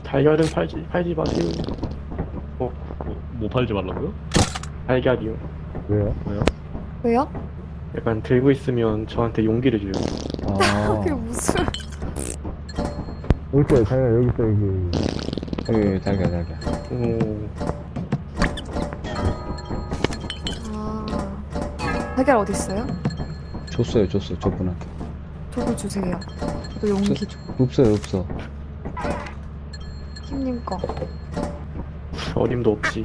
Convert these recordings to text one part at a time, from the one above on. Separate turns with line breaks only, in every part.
달걀은 팔지 마세요.
뭐 팔지 말라고요?
달걀이요.
왜요?
왜요?
왜요?
약간 들고 있으면 저한테 용기를 줘요.
아,
그게 무슨
여기 있어요, 자기가 여기 있어, 여기, 자기가.
오,
아 달걀 어디 있어요?
줬어요, 저분한테.
저도 주세요. 저도 용기 줘.
없어.
힘님 거.
어림도 없지.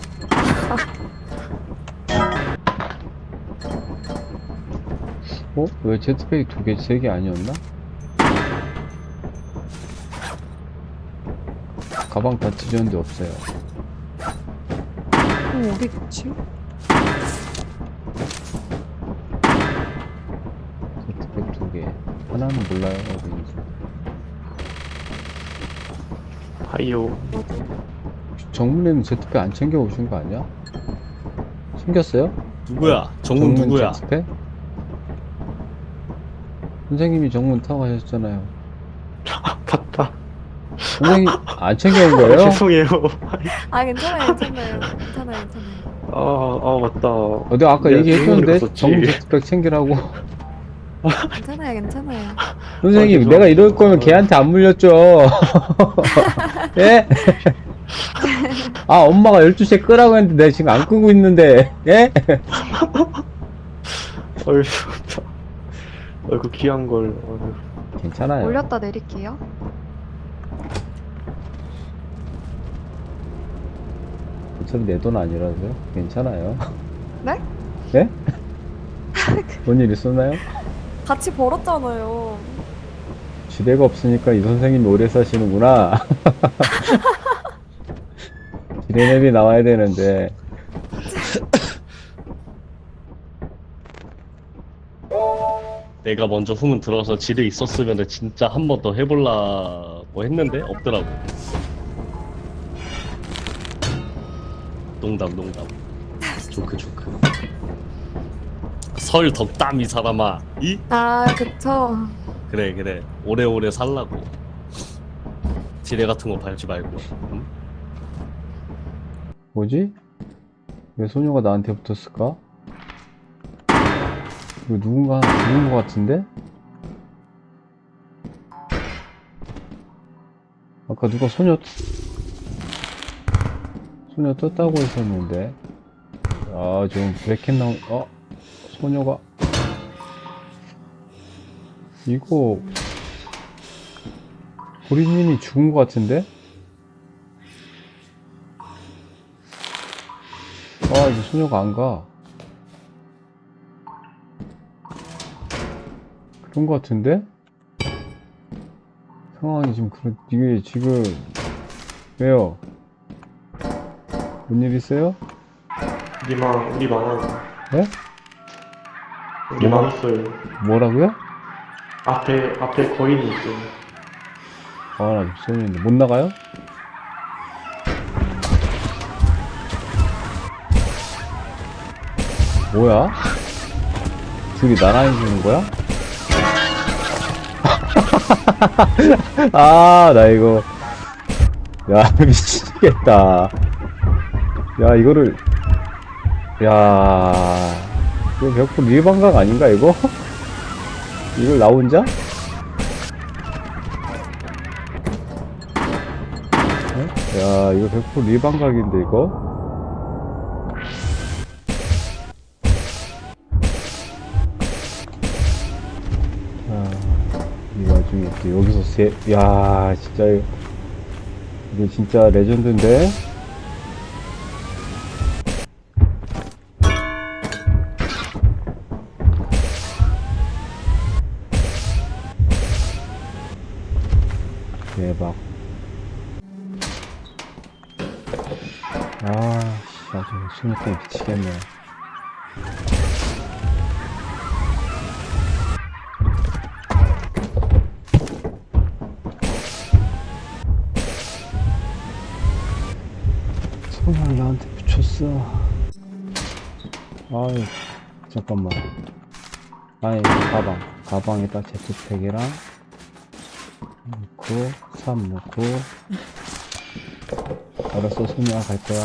어? 왜 제트팩이 2개, 3개 아니었나? 가방 다 뒤졌는데 없어요.
어디 있지?
제트팩 2개. 하나는 몰라요, 어디인지.
하이요.
정문에는 제트팩 안 챙겨 오신 거 아니야? 챙겼어요?
누구야? 정문 누구야?
제트팩? 선생님이 정문 타고 가셨잖아요.
봤다.
선생님 안 챙겨온 거예요?
죄송해요.
아 괜찮아요.
아 맞다.
내가 아까
내가
얘기했었는데
질문을
정문
했었지.
제트팩 챙기라고.
괜찮아요.
선생님
아,
내가 이럴
죄송합니다.
거면 걔한테 안 물렸죠. 예? 아 엄마가 12시에 끄라고 했는데 내가 지금 안 끄고 있는데 예?
어휴, 진짜. 그 귀한 걸. 어휴.
괜찮아요.
올렸다 내릴게요.
어차피 내 돈 아니라서요. 괜찮아요.
네?
예? 뭔 일 있었나요?
같이 벌었잖아요.
지대가 없으니까 이 선생님이 오래 사시는구나. 지대맵이 나와야 되는데.
내가 먼저 후문 들어서 지뢰 있었으면 진짜 한 번 더 해보려고 했는데 없더라고. 농담. 조크. 설 덕담 이 사람아. 이?
아 그쵸.
그래. 오래오래 살라고. 지뢰 같은 거 밟지 말고. 응?
뭐지? 왜 소녀가 나한테 붙었을까? 이거 누군가 하나 죽은 것 같은데? 아까 누가 소녀 떴다고 했었는데. 아, 좀 브레켓 나온, 소녀가. 이거, 보리님이 죽은 것 같은데? 아, 이제 소녀가 안 가. 그런 것 같은데? 상황이 지금 이게 지금, 왜요? 뭔 일 있어요?
우리 많아요.
네?
우리 많았어요.
뭐라고요?
앞에 거인이 있어요.
아, 나 소녀인데. 못 나가요? 뭐야? 둘이 나란히 주는 거야? 아, 나 이거. 야, 미치겠다. 야, 이거를. 야, 이거 100% 일반각 아닌가, 이거? 이걸 나 혼자? 야, 이거 100% 일반각인데, 이거? 이 와중에 또 여기서 야, 진짜, 이게 진짜 레전드인데? 대박. 아, 씨, 아주 소녀 때문에 미치겠네. 손을 나한테 붙였어. 아유, 잠깐만. 아이, 가방에다 제트팩이랑 넣고, 삽 넣고, 알았어, 소미야, 갈 거야.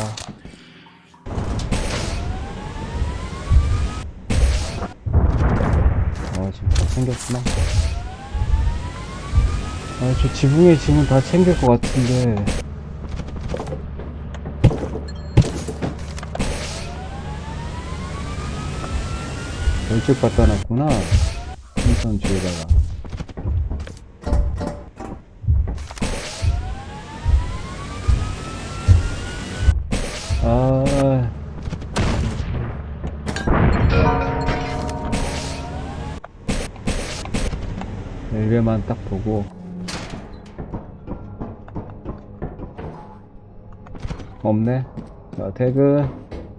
지금 다 챙겼구나. 저 지붕에 지금 다 챙길 것 같은데. 열쪽 갖다 놨구나. 풍선 뒤에다가. 아. 벨벳만 딱 보고. 없네. 자, 퇴근.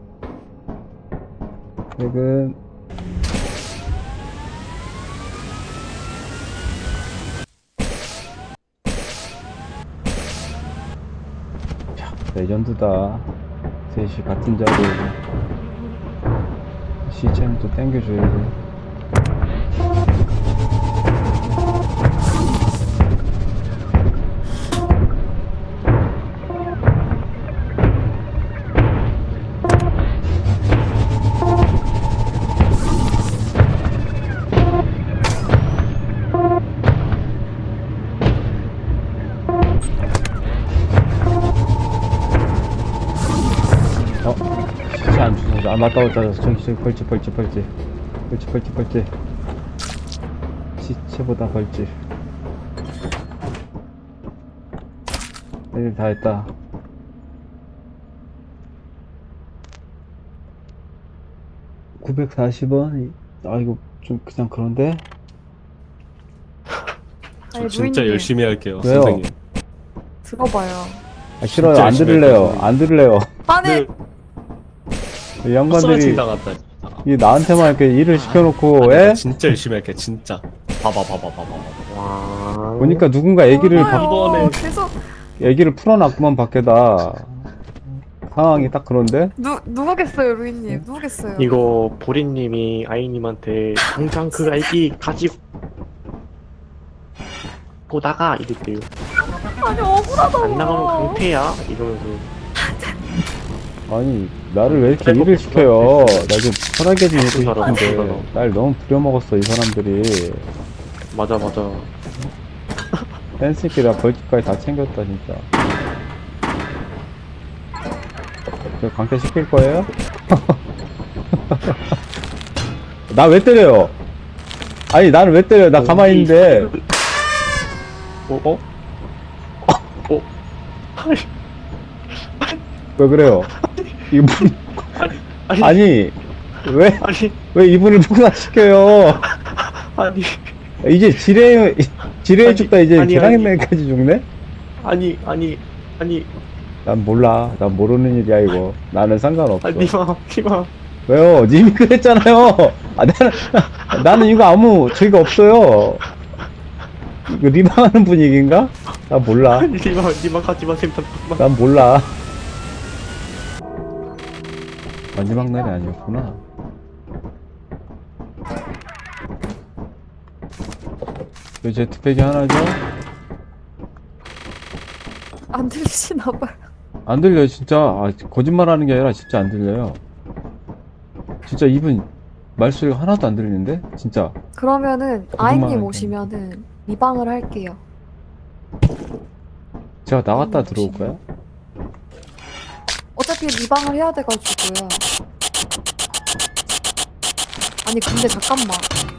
퇴근. 자, 레전드다. 셋이 같은 자리에. 시체는 또 땡겨줘야지. 시체 안 주워서. 아, 맞다, 맞다. 저기, 벌집. 시체보다 벌집. 일 다 했다. $940원? 아, 이거 좀 그냥 그런데?
아니,
진짜
루이님,
열심히 할게요,
왜요?
선생님.
들어봐요.
아, 싫어요.
진짜
안
열심히
들을래요.
했거든요.
안 들을래요.
아니,
네.
이 양반들이
헛소리 당했다.
이 나한테만 이렇게 일을 시켜놓고,
아니,
에?
나 진짜 열심히 할게, 진짜. 봐봐.
와.
보니까 누군가 애기를
몰라요.
이번에-
계속
애기를 풀어놨구만 밖에다. 상황이 딱 그런데?
누구겠어요, 루이님? 누구겠어요?
이거 보리님이 아이님한테 당장 그 아이디 가지고 나가 이랬대요.
아니, 억울하다고.
안 나가면 강퇴야 이러면서.
아니 나를 왜 이렇게 일을 시켜요? 나 좀 편하게 좀
무슨
일고
사람, 무슨
싶은데
사람.
날 너무 부려먹었어 이 사람들이.
맞아.
펜스끼리 나 벌집까지 다 챙겼다 진짜. 저 강퇴 시킬 거예요? 나 왜 때려요? 아니 나를 왜 때려요? 나 가만히 있는데.
어?
왜 그래요? 이분
아니
아니 왜
아니
이분을 폭락시켜요?
아니
이제 지뢰 죽다 이제
아니,
계량맨까지 죽네?
아니
난 몰라. 난 모르는 일이야 이거. 나는 상관없어.
니마
왜요? 님이 그랬잖아요. 아 나는 이거 아무 죄가 없어요. 이거 리방하는 분위기인가? 나 몰라.
니마 가지마 샘탄.
난 몰라. 마지막 날이 아니었구나. 왜 제트팩이 하나죠?
안 들리시나봐요.
안 들려요 진짜. 아, 거짓말하는 게 아니라 진짜 안 들려요. 진짜 이분 말소리가 하나도 안 들리는데? 진짜.
그러면은
거짓말하는
아이님
게
오시면은 리방을 할게요.
제가 나갔다 들어올 거야?
어차피 리방을 해야 돼가지고요. 아니 근데 잠깐만.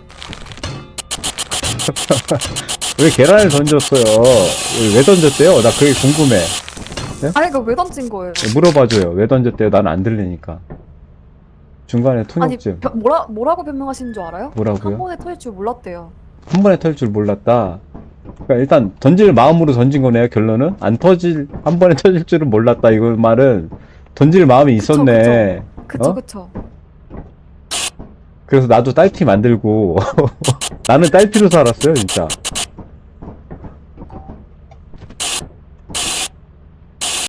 왜 계란을 던졌어요? 왜 던졌대요? 나 그게 궁금해.
아니 이거 왜 던진 거예요?
물어봐줘요. 왜 던졌대요? 난 안 들리니까. 중간에
아니
통역증.
뭐라고 변명하시는 줄 알아요?
뭐라고요?
한 번에 터질 줄 몰랐대요.
한 번에 터질 줄 몰랐다. 그러니까 일단 던질 마음으로 던진 거네요. 결론은 한 번에 터질 줄은 몰랐다. 이거 말은 던질 마음이
그쵸,
있었네.
그쵸
어?
그쵸.
그래서 나도 딸피 만들고 나는 딸피로 살았어요 진짜.